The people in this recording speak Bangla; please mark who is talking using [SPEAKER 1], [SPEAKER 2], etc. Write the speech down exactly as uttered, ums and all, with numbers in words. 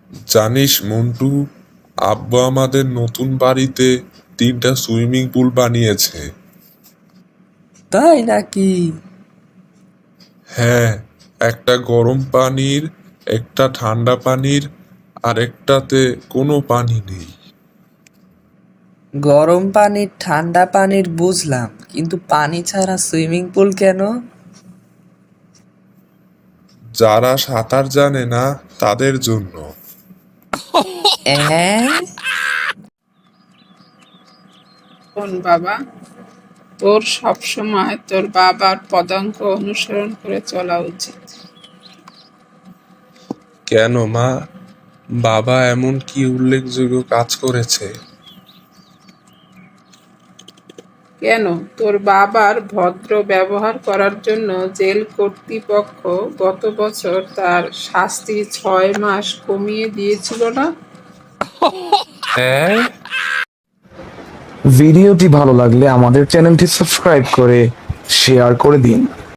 [SPEAKER 1] জানিস মন্টু, আব্বু আমাদের নতুন বাড়িতে তিনটা সুইমিং পুল বানিয়েছে।
[SPEAKER 2] তাই নাকি?
[SPEAKER 1] হ্যাঁ, একটা গরম পানির, একটা ঠান্ডা পানির, আর একটাতে কোনো পানি নেই।
[SPEAKER 2] গরম পানির ঠান্ডা পানির বুঝলাম, কিন্তু পানি ছাড়া সুইমিং পুল কেন?
[SPEAKER 1] যারা সাঁতার জানে না তাদের জন্য।
[SPEAKER 2] অ্যাঁ?
[SPEAKER 3] শোন বাবা, তোর সবসময় তোর বাবার পদাঙ্ক অনুসরণ করে চলা উচিত।
[SPEAKER 1] কেন মা, বাবা এমন কি উল্লেখযোগ্য কাজ করেছে?
[SPEAKER 3] কেন, তোর বাবার ভদ্র ব্যবহার করার জন্য জেল কর্তৃপক্ষ গত বছর তার শাস্তি ছয় মাস কমিয়ে দিয়েছিল না?
[SPEAKER 1] হ্যাঁ।
[SPEAKER 4] ভিডিওটি ভালো লাগলে আমাদের চ্যানেলটি সাবস্ক্রাইব করে শেয়ার করে দিন।